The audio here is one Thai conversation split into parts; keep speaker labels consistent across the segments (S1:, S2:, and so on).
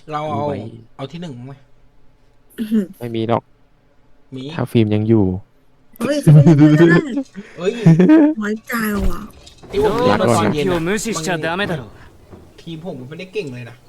S1: เรา
S2: ดูไว้
S1: เอาที่หนึ่งไหม
S2: ไม่มีหรอก
S1: มี
S2: ถ้าฟิล์มยังอยู่
S3: เฮ้ยจะเป็นยังไงก็ได้
S1: เอ้ย
S3: ไว้ใจว่ะ
S1: ที่ผมเล่นมาตอนเย็น
S4: を
S1: อะ
S4: 無視しちゃダメだろう。
S1: ทีมผมไม่ได้เก่งเลยนะ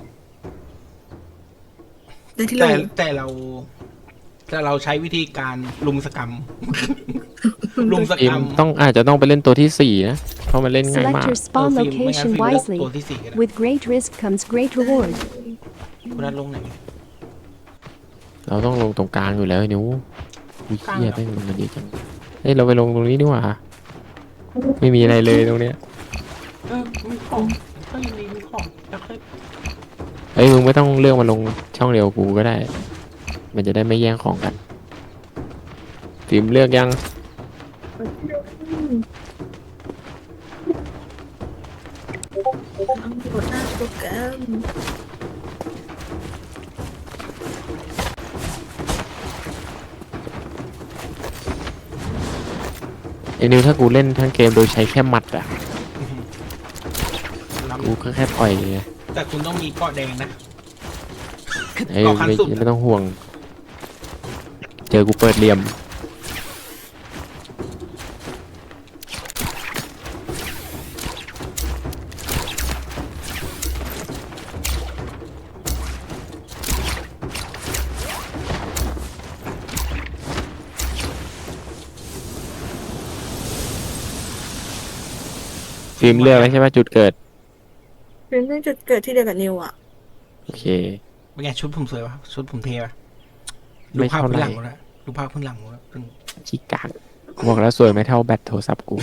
S3: ได้ที่โหล
S1: แต่เราใช้วิธีการลุมสกรรม ลุมส
S2: ฟิ
S1: ก
S2: ล์
S1: ร
S2: ม
S1: รม
S2: อาจจะต้องไปเล่นตัวที่สี่นะเพราะมันเล่นง่าย
S5: Select
S2: มาก
S5: your spawn
S1: ฟิล์มไม่งั้น
S5: location
S1: ฟิล์มเลือก
S5: wisely.
S1: ตัวที่สี่ก็ได้
S5: With great risk comes great reward.
S1: คุณนัทลงไหน
S2: เราต้องลงตรงกลางอยู่แล้วไอ้นิ้ววิ
S1: กลาง
S2: เคีย
S1: เหรอ
S2: แม่งลงกันเยอะจังเฮ้ยเราไปลงตรงนี้ดีกว่าไม่มีอะไรเลยตรงเนี้ย
S1: มีของก็ยังมีของแล้วค่อย
S2: เฮ้ยมึงไม่ต้องเลือกมาลงช่องเดียวกูก็ได้ มันจะได้ไม่แย่งของกันฟิล์มเลือกยัง
S3: ต้องกดหน้าโปรแกรม
S2: ไอ้นิวถ้ากูเล่นทั้งเกมโดยใช้แค่หมัดอ่ะ
S1: รับ
S2: กูก็แค่ปล่อยไง
S1: แต่คุณต้องมีเกาะแดงนะ
S2: ไอ้
S1: เกาะขั้นสุด
S2: ไม่ต้องห่วง เจอกูเปิดเหลี่ยมฟิล์มเลือกแล้วใช่ไหมจุดเกิด
S3: เป็นเรื่องจุดเกิดที่เดียวกับนิวอ่ะ
S2: โอเค
S1: เป็นไงชุดผมสวยปะชุดผมเท่ปะดู
S2: ไม่
S1: ภาพ
S2: เท่า
S1: พื้น
S2: ไห
S1: ห
S2: ร่
S1: ลังหมดแล้วดูภาพพื้นหลังหมดแล้วซึ่ง
S2: ชิกากกูบอกแล้วสวยไม่เท่าแบตโทรศัพท์กู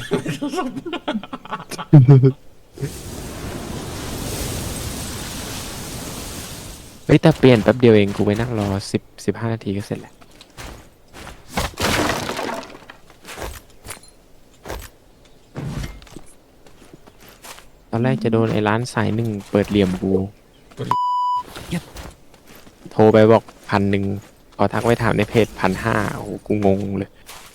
S2: เฮ้ยแต่เปลี่ยนแป๊บเดียวเองกูไปนั่งรอ15 นาทีก็เสร็จแล้วตอนแรกจะโดนไอ้ร้านสายหนึ่งเปิดเหลี่ยมกูโทรไปบอก1,000พอทักไปถามในเพจ1,500โอ้โหกูงงเลย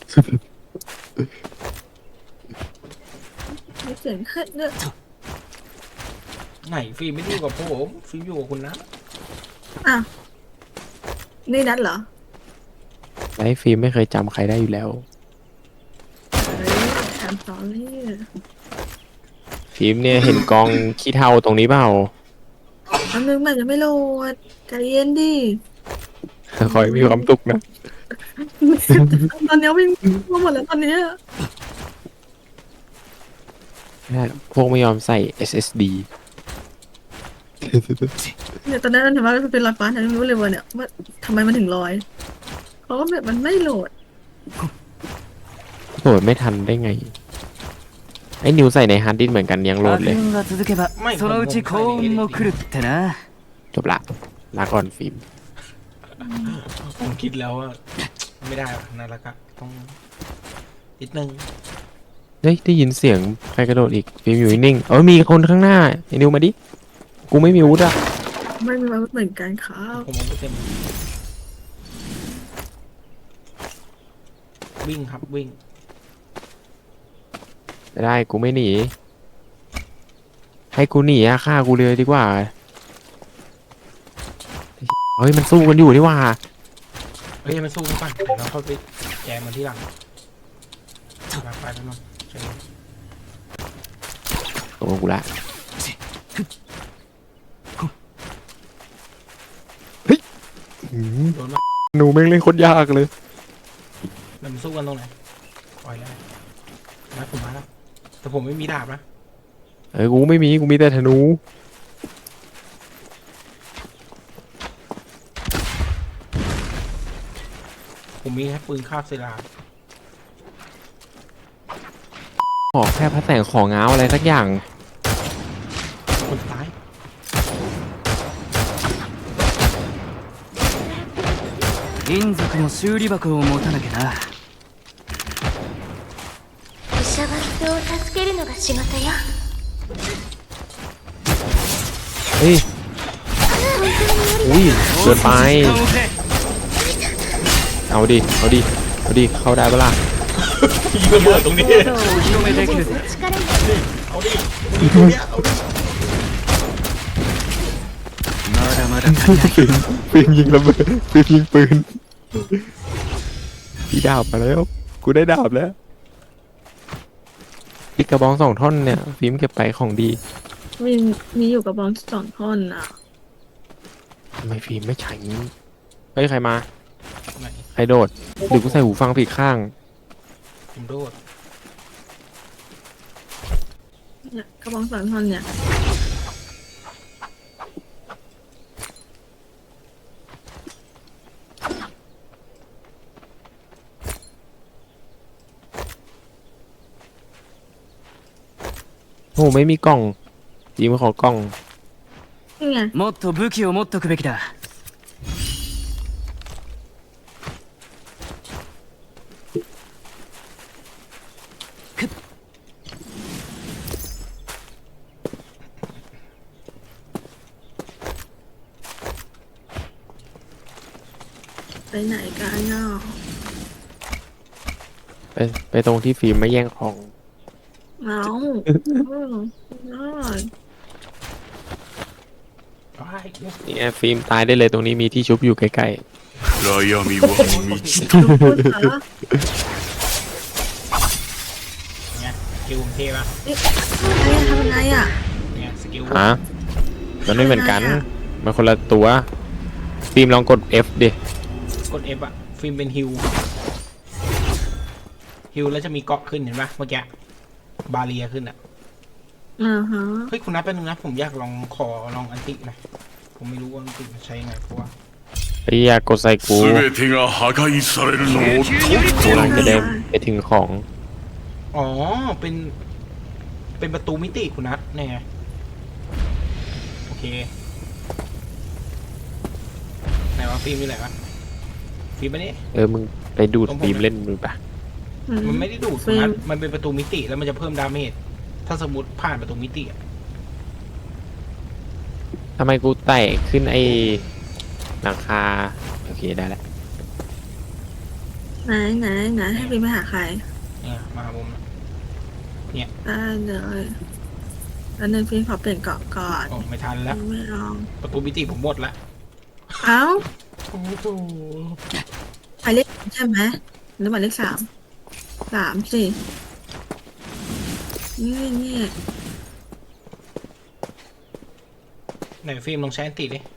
S3: ไม่เสียงขึ้นเนอะ
S1: ไหนฟิล์มไม่ได้อยู่กับผมฟิล์มอยู่กับคุณนะ
S3: อ่ะนี่นัดเหรอ
S2: ไลฟ์ฟิล์มไม่เคยจำใครได้อยู่แล้ว
S3: เฮ้ยแถมสอนเลย
S2: ฟิล์มเนี่ยเห็นกองขี้เถ้าตรงนี้เปล่า
S3: อันนึงมันจะไม่โหลดใจเย็นดิ
S2: คอยมีความสุขนะ
S3: ตอนนี้วิ่งมาหมดแล้วตอนนี้
S2: พวกไม่ยอมใส่ SSD
S3: เนี่ยตอนนั้นเห็นว่ามันเป็นรอยฟ้าฉันไม่รู้เลยว่าเนี่ยว่าทำไมมันถึงลอยเพราะว่าแบบมันไม่โหลด
S2: โหลดไม่ทันได้ไง ไอ้นิวใส่ในฮาร์ดดิสก์เหมือนกันยังโหลด
S4: 悪
S2: เลย
S4: 運が続けばそのうち幸運も来るってな。
S2: จบละลาก่อนฟิล์ม
S1: ผมคิดแล้วว่าไม่ได้หรอกนั่นแล้วก็ต้องนิดนึง
S2: เฮ้ยได้ยินเสียงใครกระโดดอีกฟิล์มอยู่นิ่งๆมีคนข้างหน้าไอ้นิวมาดิ กูไม่มีอาวุธอะ
S3: ไม่มีมาเหมือนกันครับ
S1: ผมมองไม่เต็มวิ่งครับวิ่ง
S2: ไม่ได้กูไม่หนี ให้กูหนีอะฆ่ากูเลยดีกว่า เฮ้ยมันสู้กันอยู่นี่หว่า
S1: เฮ้ยมันสู้กันก่อนเดี๋ยวเราเข้าไปแจมมันที่หลังไปไปมาเชิญ
S2: โอ้กูละเฮ้ย
S1: โดนมา
S2: หนูแม่งเล่นโคตรยากเลย
S1: แล้วมันสู้กันตรงไหนปล่อยแล้วมาผมมาแล้วแต่ผมไม่มีดาบนะ
S2: กูไม่มีกูมีแต่ธนู
S1: ผมมีแค่ปืนคาบศิลา
S2: ขอแค่พระแสงของง้าวอะไรสักอย่าง
S1: คนตาย
S4: 銀属の修理箱を持たなきゃな。
S6: 医者は人を助けるのが仕事よ。
S2: เฮ้ย อุ้ยเกินไป
S4: 時間をくれ。
S2: เอาดิ เอาดิ เอาดิ เข้าได้ปะล่ะ
S1: ยิงระเบิดตรงนี้
S4: 技をお披露目できるぜ。
S6: 力に
S1: เอาดิยิงตรงเนี้ยเอาดิ
S4: まだままだ足りない。
S2: ฟิล์มยิงระเบิดฟิล์มยิงปืนพี่ดาบมาแล้ว กูได้ดาบแล้วอีกกระบอง2 ท่อนเนี่ย ฟิล์มเก็บไปของดี
S3: มีอยู่กับบอล2 ท่อนอ่ะ
S2: ทำไมฟิล์มไม่ใช้เฮ้ย ใครมา
S1: ไหน
S2: ใครโดดหรือกูใส่หูฟังผิดข้าง
S1: ผมโดด
S3: เนี่ยกระบอง2 ท่อนเนี่ย
S2: โอ้ไม่มีกล่องฟิล์มขอกล่อง
S3: นี่ไง
S4: もっと武器を持っとくべきだ。
S3: ไปไหนกันเนาะ
S2: ไปตรงที่ฟิล์มไม่แย่งของ
S3: เอาได้
S1: ว้ายเนี่ย
S2: เนี่ยฟิล์มตายได้เลยตรงนี้มีที่ชุบอยู่ใกล้
S7: 暗闇は満ちた
S3: ทุกคนเหรอ
S1: ไงสกิลผมเท่ปะ
S3: ทำยังไงอ่ะ
S1: เนี่ยสกิล
S2: ๆฮะมันไม่เหมือนกัน มันคนละตัว ฟิล์มลองกด F ดิ
S1: กด F อะฟิล์มเป็นฮิวแล้วจะมีเกาะขึ้นเห็นปะเมื่อกี้บาเรียขึ้นอะ
S3: ฮะ
S1: เฮ้ยคุณนัทเป็นนึงนะผมอยากขอลองอันติหน่อยผมไม่รู้ว่าอันติมันใช้ยังไงเพราะว่า
S2: ไอ้ยากดใส่กู
S7: 全てが破壊されるのをとっ
S2: กูกำลังจะได้ไปถึงของ
S1: อ๋อเป็นประตูมิติคุณนัทเนี่ยไงโอเคไหนวะฟิล์มอยู่ไหนวะฟิล์มมานี่
S2: มึงไปดูดฟิล์มเล่นมือปะ
S1: มันไม่ได้ดูดคุณนัทมันเป็นประตูมิติแล้วมันจะเพิ่มดาเมจถ้าสมมติผ่านประตูมิติอะ
S2: ทำไมกูไต่ขึ้นไอ้หลังคา โอเคได้แล้ว
S3: ไหนให้พี่ไปหาใคร
S1: เนี่ยมาหาผมนะ
S3: ได้เลยแล้วนึงพี่ขอเปลี่ยนเกาะก่อน
S1: โอ้ไม่ทันแล้ว
S3: ไม่ลอง
S1: ประตูมิติผมหมดละ
S3: เอ้า
S1: โอ้โห
S3: หมายเลขใช่ไหมหรือหมายเลข3สินี่
S1: ไหนฟิล์มลองใช้อันติดิ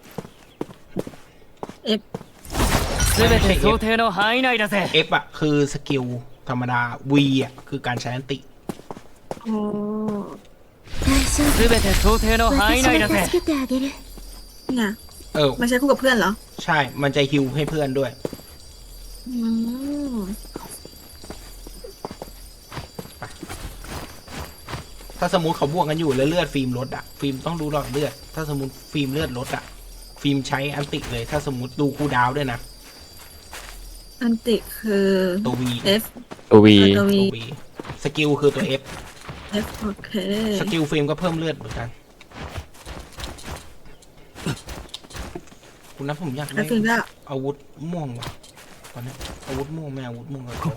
S4: 全て想定の範囲内だぜ。
S1: F อะคือสกิลธรรมดา V อะคือการใช้อันติ
S3: โอ้
S6: 大丈夫
S4: 全て想定の範囲
S6: 私
S4: 内だ
S6: が助
S4: ぜ。
S6: けてあげる
S3: นี่ไง
S1: เออ
S3: มาใช้คู่กับเพื่อนเหรอ
S1: ใช่ มันจะฮิวให้เพื่อนด้วย
S3: อืม
S1: ถ้าสมมติเขาบวกกันอยู่แล้วเลือดฟิล์มลดอะฟิล์มต้องดูหลอดเลือด ถ้าสมมติฟิล์มเลือดลดอะฟิล์มใช้อันติเลย ถ้าสมมติดูคูลดาวน์ด้วยนะ
S3: อันติคือ
S1: ตัว V
S3: F
S2: ตัววี
S3: ตัว V
S1: ตัว V สกิลคือตัว F
S3: F โอเค
S1: สกิลฟิล์มก็เพิ่มเลือดเหมือนกัน คุณนัทผมอยาก
S3: แล้ว
S1: ได้
S3: ฟิล์มก็
S1: อาวุธม่วงว่ะตอนนี้อาวุธม่วงไม่อาวุธม่วงเลย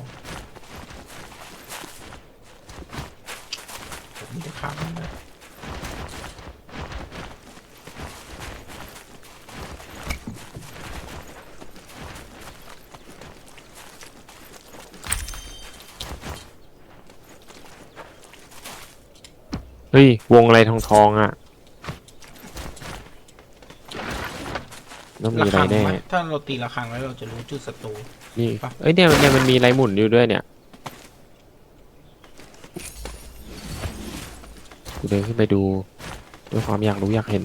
S1: ผมมีแต่ขาวนี่นะ
S2: เฮ้ยวงอะไรทองอ่ะต้องมี
S1: ระ
S2: อะไร
S1: ฆัง
S2: แน่
S1: ไหมถ้าเราตีระฆังแล้วเราจะรู้จุดศัตรู
S2: นี่
S1: ปะ
S2: เอ้ยเนี่ยมันมีอะไรหมุนอยู่ด้วยเนี่ยกูเดินขึ้นไปดูด้วยความอยากรู้อยากเห็น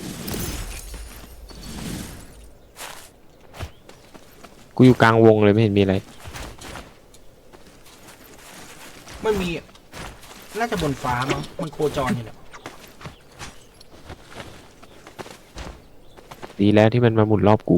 S2: กูอยู่กลางวงเลยไม่เห็นมีอะไร
S1: มันมี น่าจะบนฟ้ามั้งมันโคจรอยู่แหละ
S2: ดีแล้วที่มันมาหมุนรอบกู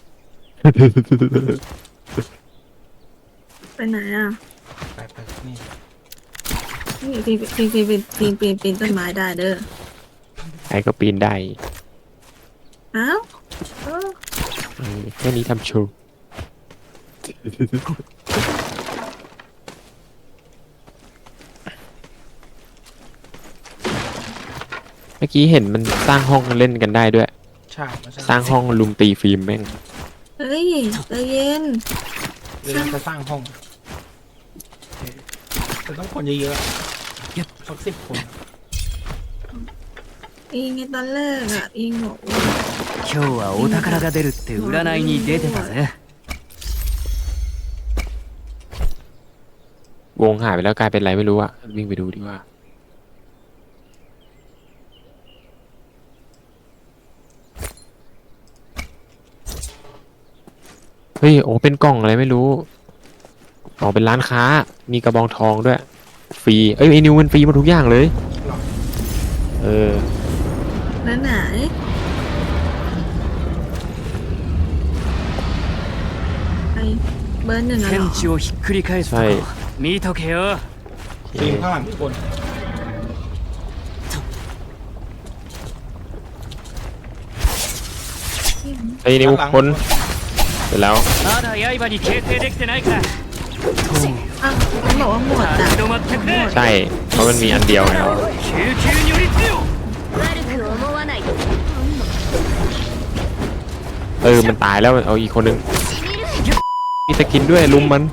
S3: ไปไหนอ่ะ
S1: ไปนี่
S3: นี่ปีนต้นไม้ได้เด้อ
S2: ใครก็ปีนได้
S3: อ้าวเออ
S2: แค่นี้ทำโชว์เมื่อกี้เห็นมันสร้างห้องเล่นกันได้ด้วย
S1: ใช่มัน
S2: สร้างห้องลุมตีฟิล์มแม่ง
S3: เฮ้ยใจเย็น
S1: หรือเราจะสร้างห้องแต่ต้องคนเยอะๆสัก10 คน
S3: อิงในตอนแรกอ่ะอิงบอกว่า
S4: 今日はお宝が出るって占いに出てたぜ。
S2: วงหายไปแล้วกลายเป็นไรไม่รู้อะวิ่งไปดูดีกว่าเฮ้ยโอ้เป็นกล่องอะไรไม่รู้อ๋อเป็นร้านค้ามีกระบองทองด้วยฟรีเอ้ยไอ้นิวมันฟรีหมาทุกอย่างเลยเออ
S3: แล้วไหนไอเบอร์ 1อะเหรอ
S4: 天地をひっくり返すとこ見とけよ。
S1: ฟิล์มข้างหลังทุกคน
S2: ไอ้นิวคนเสร็จแล้ว
S4: まだ刃に形成できてないから。
S3: อ้าวเขาบอกว่าหมดอ่ะ
S4: 立ち止まってくれ。
S2: ใช่เพราะมันมีอันเดียวไงเรา
S4: 救急に寄りつけよ。
S6: 悪く思わないで
S2: มันตายแล้วเอาอีกคนนึงมีสกินด้วยลุมมัน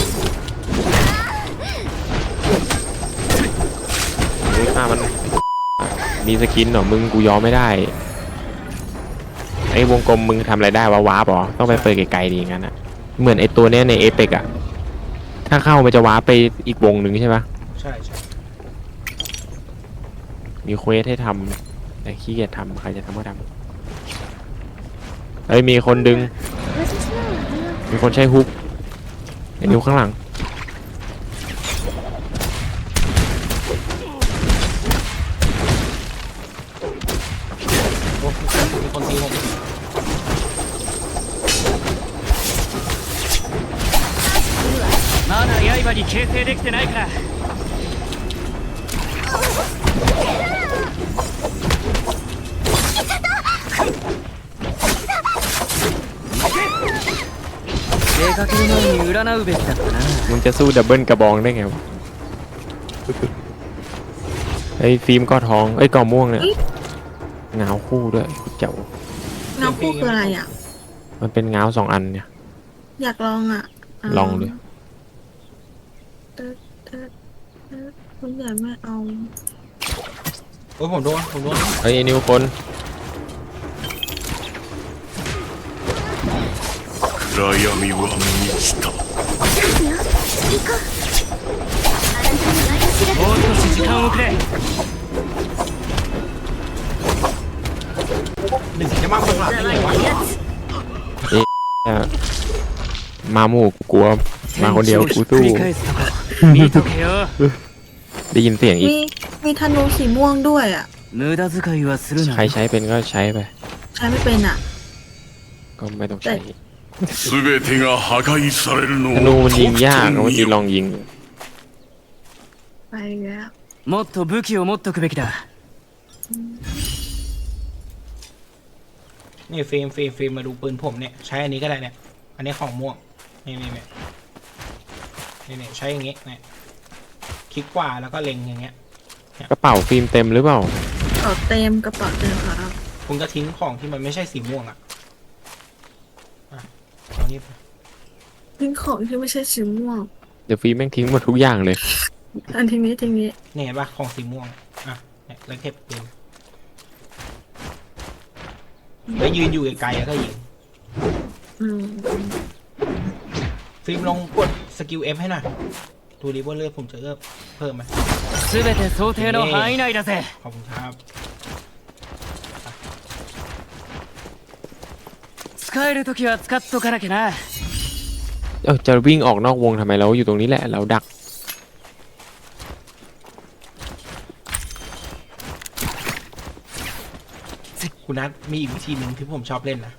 S2: เฮ้ยฆ่ามันมีสกินเหรอมึงกูยอมไม่ได้ไอ้วงกลมมึงทำอะไรได้วะวาร์ปเหรอต้องไปเปิดไกลๆดีงั้นอะเหมือนไอ้ตัวเนี้ยในเอเปกอะถ้าเข้ามันจะวาร์ปไปอีกวงหนึ่งใช่ปะ
S1: ใช่
S2: มีเควสให้ทำแต่ขี้เกียจทำใครจะทำก็ทำเฮ้ยมีคนดึงมีคนใช้ฮุกไอ้นิ้วข้างหลัง
S1: โอ้มีคนตีผม
S4: まだ刃に形成できてないから。出かける前に占うべきだったな。
S2: มึงจะสู้ดับเบิลกระบองได้ไงวะไอ้ฟิล์มก็ทองไอ้ยกอม่วงเนี่ยเงาคู่ด้วยเจ๋ว
S3: เงาคู่คืออะไรอ่ะ
S2: มันเป็นเงา2 อันเนี่ย
S3: อยากลองอ่ะ
S2: ลองดิ
S3: คุณใหญ่ไม่เอา
S1: โอ้ยผมโดน
S2: เฮ้ยไอ้นิวคน
S7: 暗闇は満ちた。
S4: もう少し時間をくれ。
S1: หนึ่งจะมากกว่าหลับได้ไงวะ
S2: มาหมู่กูกลัวมาคนเดียวกู
S4: ひっく
S2: สู้
S4: り返すとこ見とけよ。
S2: ได้ยินเสียงอีก
S3: มีธนูสีม่วงด้วยอ่ะ
S4: 無駄遣いはするな
S2: ใคร。ใช้เป็นก็ใช้ไป
S3: ใช้ไม่เป็นอ่ะ
S2: ก็ไม่ต้องใช้
S7: すべてが破壊されるの
S2: ธนู
S7: を
S2: มัน
S7: と
S2: ยิง
S7: く
S2: ยาก
S7: と
S2: เมื่อ
S7: 見
S2: กี้
S7: よ
S2: ลองยิง
S3: ไปแล้ว
S4: もっと武器を持っとくべきだ。
S1: นี่ฟิล์มมาดูปืนผมเนี่ยใช้อันนี้ก็ได้เนี่ยอันนี้ของม่วงนี่ใช้อย่างงี้เนี่ยคลิกขวาแล้วก็เล็งอย่างเงี้ย
S2: กระเป๋าฟิล์มเต็มหรือเปล่า
S3: กระเป๋าเต็มกระเป๋าเต็มครับ
S1: คุณก็ทิ้งของที่มันไม่ใช่สีม่วงอ่ะเอานี่ไป
S3: ทิ้งของที่ไม่ใช่สีม่วง
S2: เดี๋ยวฟิล์มแม่งทิ้งหมดทุกอย่างเลย
S3: อันทีนี้
S1: เนี่ยเห็นปะของสีม่วงอ่ะเนี่ยแล้วเก็บปืนแล้วยืนอยู่ไกลๆแล้วก็ยิง
S3: อืม
S1: ฟิล์มลองกดสกิล F ให้หน่อยดูดิว่าเลือดผมจะเพิ่มไหม
S4: すべて想定の範囲内だぜ。
S1: ขอบคุณครับ
S4: 使えるときは使っとかなきゃな。
S2: จะวิ่งออกนอกวงทำไมเราอยู่ตรงนี้แหละเราดัก
S1: คุณนัทมีอีกวิธีหนึ่งที่ผมชอบเล่นนะ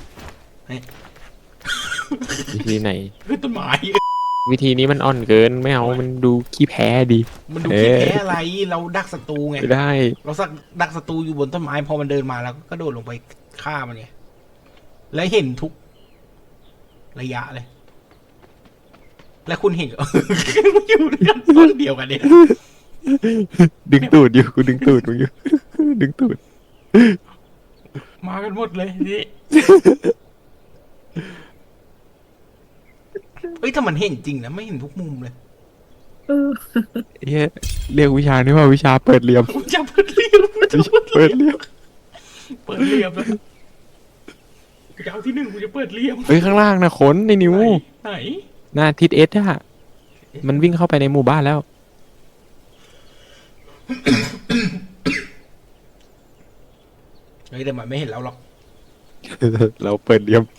S2: วิธีไหน
S1: คือต้นไม้
S2: วิธีนี้มันอ่อนเกินไม่เอามันดูขี้แพ้ดี
S1: มันดูขี้แพ้อะไรเราดักศัตรูไง
S2: ไม่ได้
S1: เราสักดักศัตรูอยู่บนต้นไม้พอมันเดินมาแล้วก็โดดลงไปฆ่ามันไงและเห็นทุกระยะเลย และคุณเห็น มันอยู่ด้วยกันต้นเดียวกันเนี่ย
S2: ดึงตูดอยู่กูดึงตูดมึงอยู่ ดึงตูด
S1: มากันหมดเลยนี่ เฮ้ยถ้ามันเห็นจริงนะไม่เห็นทุกมุมเลย
S3: เออ
S2: เฮ้ยเรียกวิชานี้ว่าวิชาเปิดเหลี่ยม
S1: กูจะเปิดเรียบกูจะเปิด
S2: เปิดเหลี่ยม
S1: เปิดเรียบเลยกูจะเอาที่หนึ่งกูจะเปิดเรียบ
S2: เฮ้ยข้างล่างนะขนในนิ้ว
S1: ไหน
S2: หน้าทิศเอสอะมันวิ่งเข้าไปในหมู่บ้านแล้ว
S1: เฮ้ยแต่มันไม่เห็นเราหรอก
S2: เราเปิดเหลี่ยม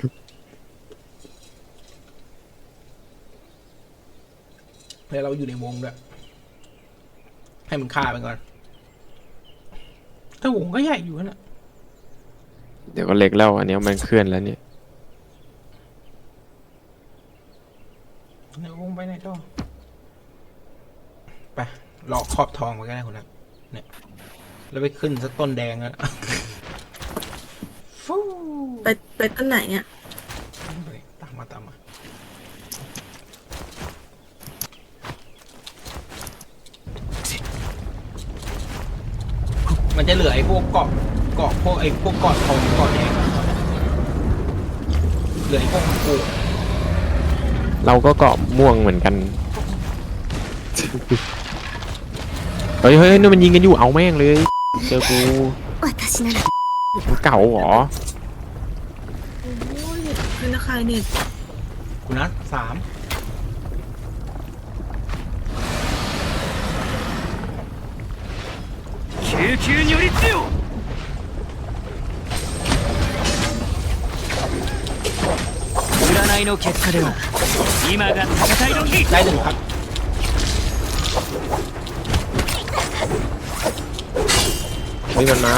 S1: แล้วเราอยู่ในวงด้วยให้มันฆ่าไปก่อนแต่วงก็ใหญ่อยู่นะ
S2: เดี๋ยวก็เล็กแล้วอันเนี้ยมันเคลื่อนแล้วเนี่ย
S1: ในวงไปไหนต่อไปหลอกขอบทองไปก็ได้คนนั้นเนี่ยแล้วไปขึ้นสักต้นแดงแล้วฟู้
S3: ไปต้นไหนอ่ะ
S1: ตามมาตามมามันจะเหลือไอ้พวกเกาะพวกไอ้พวกเกาะทองเกาะแดงเหลือไอ้พวกมันกู
S2: เราก็เกาะม่วงเหมือนกัน เฮ้ยนี่มันยิงกันอยู่เอาแม่งเลยเจอกู
S6: 私なら
S2: มันเก่าเหรอ
S3: โอ้ยเป็นใครเนี่ย
S1: กูนัด3
S4: 救急により強占いの結果では今が戦い時
S1: ได้1ครับ
S2: เฮ้ยมันมา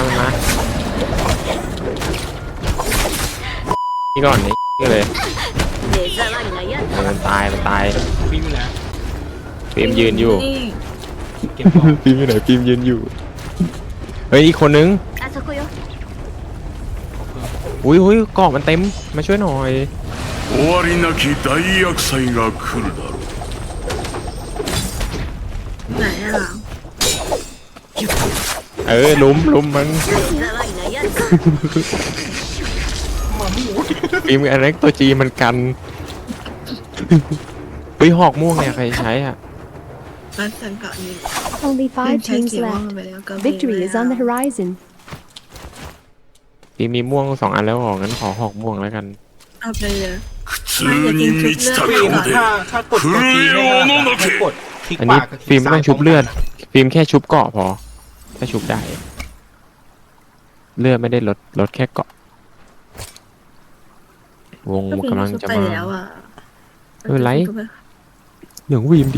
S2: นี่ก่อนนี่เลย
S6: 目障りなやつ
S2: มันตาย
S1: ฟิล์มอยู่นะ
S2: ฟิล์มยืนอยู่
S3: นี่
S1: เก็บของ
S2: ฟิล์มอยู่ไหนฟิล์มยืนอยู่ เฮ้ยอีกคนนึง
S6: あそこよ
S2: อุ้ยเกาะมันเต็มมาช่วยหน่อย
S7: 終わりなき大厄災が来るだろう
S3: ไหนอ่ะ
S2: ลุมมัน
S6: 目障りなやつ
S2: ฟิล์มอันนั้นตัวจีมันกันเฮ้ยหอกม่วงเนี่ยใครใช้อ่ะ
S3: ร้านสังกัดนี่
S5: Only
S3: เพื่อน
S5: 5
S3: ใช้
S5: teams
S3: สีม่วง
S5: left.
S3: ไปแล้วก็
S5: Victory is on the horizon.
S2: ฟิล์มมีม่วง2 อันแล้วหรองั้นขอหอกม่วงแล้วกัน
S3: เอาไปเลย
S7: 苦痛に満ちた
S1: ฟิล์ม
S7: 顔で
S1: ถ้ากดตัวจีให้ให้กดคลิก
S2: อัน
S1: ข
S2: นี้
S1: วากับค
S2: ฟิ
S1: ลิ
S2: ล์
S1: ก
S2: มไม่
S1: ซ้า
S2: ต้
S1: ย
S2: องชุบเลือด ฟิล์มแค่ชุบเกาะพอ ถ้าชุบได้ เลือดไม่ได้ลดแค่เกาะ วง
S3: ก็เป็น
S2: กำลัง
S3: ชุบ
S2: จะ
S3: ไป
S2: มา
S3: แล้วอ่ะ
S2: ไม่เป็นไร เหลืองวีมดิ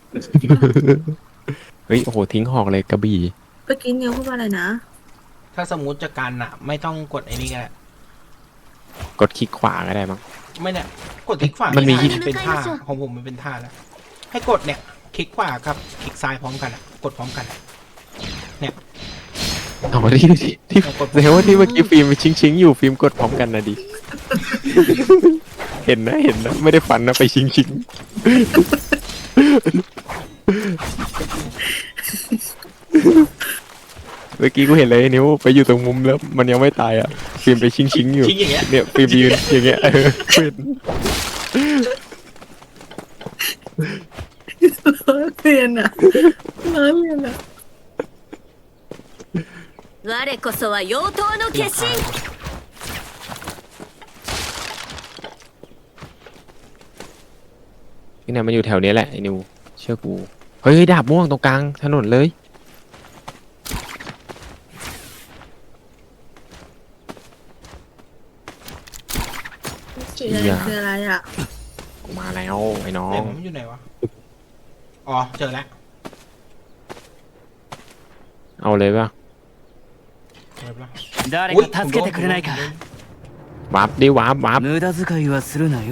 S2: เฮ้ยโอ้โหทิ้งหอกเลยกระบี่
S3: เมื่อกี้นิวพูดว่าอะไรนะ
S1: ถ้าสมมติจะกันอ่ะ ไม่ต้องกดไอ้นี่ก็ได้
S2: กดคลิกขวาก็ได้มั้ง
S1: ไม่เนี่ยกดคลิกขวา
S2: มันมี
S1: ไได้เป็นท่าของผมมันเป็นท่าแล้วให้กดเนี่ยคลิกขวาครับคลิกซ้ายพร้อมกันอ่ะกดพร้อมกันอะเนี่ย
S2: เอาที่เดี๋ยวว่าที่เมื่อกี้ฟิล์มชิงอยู่ฟิล์มกดพร้อมกันนะดิ เห็นนะไม่ได้ฝันนะไปชิง เมื่อกี้กูเห็นเลยนิ้วไปอยู่ตรงมุมแล้วมันยังไม่ตายอ่ะฟิล์มไปชิงอยู่
S1: ชิงอย่างเงี้ย
S2: เนี่ยฟิล์มยืนอย่างเงี้ยเป็น
S3: เปลี่ยนอ่ะร้านเรียนอ่ะ
S6: 我こそは妖刀の化身
S2: นี่นะมันอยู่แถวนี้แหละไอ้นิวเชื่อกูเฮ้ยดาบม่วงตรงกลางถนนเลย
S3: สีแดงคืออะไรอ่ะ
S2: กูมาแล้วไอ้น้อ
S1: เดี๋ย
S2: ง
S1: วผมอยู่ไหนวะอ๋อเจอแล้ว
S2: เอาเลยป่ะ
S1: เจอแล้ว
S4: 誰か助けてくれないか
S2: วาร์ปดิวาร์ป
S4: 無駄遣いはするなよ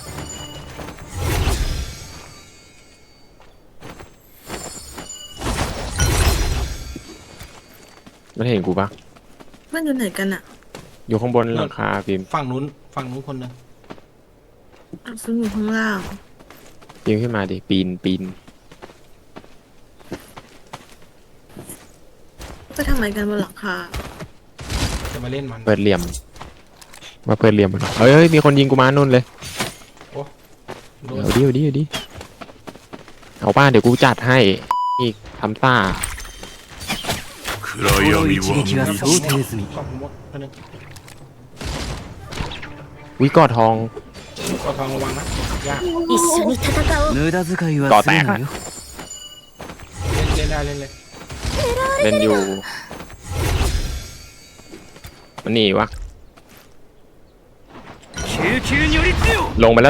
S2: มันเห็นกูปะ
S3: มันอยู่ไหนกันอ่ะ
S2: อยู่ข้างบนหลังคาฟิล์ม
S1: ฝั่งนู้นคนหนึง
S3: ซึ่งอยู่ข้างล่าง
S2: ฟิล์มขึ้นมาดิปีน
S3: ไปทำอะไรกันบนหลังคา
S1: จะมาเล่นมัน
S2: เปิดเหลี่ยมมาเปิดเหลี่ยมมันเฮ้ยมีคนยิงกูมานู่นเลย
S1: โดน
S2: เอาดิเอาป้าเดี๋ยวกูจัดให้อีกทำซ่า
S7: 暗
S4: この
S7: 闇
S4: 一撃は
S7: は
S4: 想定済み
S1: กอบผมว่าอันนึง
S2: วิกอดทอง
S1: กอบทองระวังนะยาก
S6: 一緒に戦おう
S4: 無駄遣いはするなよ
S1: เล่นได้เล่นเลย
S2: เล่นอยู่มันหนีวะ
S4: 救急により強
S2: ลงไปแล้ว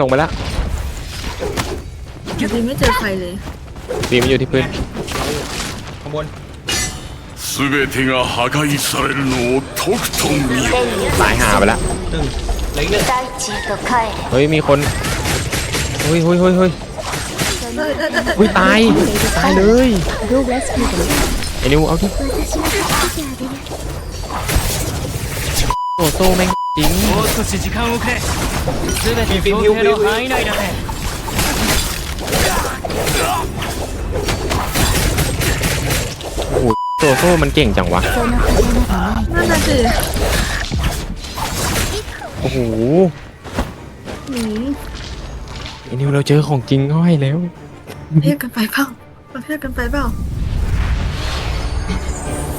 S3: ดีไม่เจอใครเลย
S2: ตีมันอยู่ที่พื้น
S1: ข้างบน
S7: 全てが破壊されるのをとくと見よ。
S2: ตายหาไปแล้ว
S1: ตึงเหลยหนึ่ง
S6: 大地へと帰れ
S2: เฮ้ยมีคนเฮ้ยตายเลย
S5: Go rescue them.
S2: ไอ้นิวเอาที่
S6: 私が助けてあげる
S2: โอ้โซ่แม่งจริง
S4: もう少し時間をくれ全て想定の範囲内だぜ
S2: โอ้โหโซ่มันเก่งจังวะ
S6: その風などない
S3: นั่นน่ะสิ
S2: โอ้โห
S3: หนี
S2: ไอ้นิวเราเจอของจริงเข้าให้แล้ว
S3: เทียบกันไปเปล่าเราเทียบกันไปเปล่า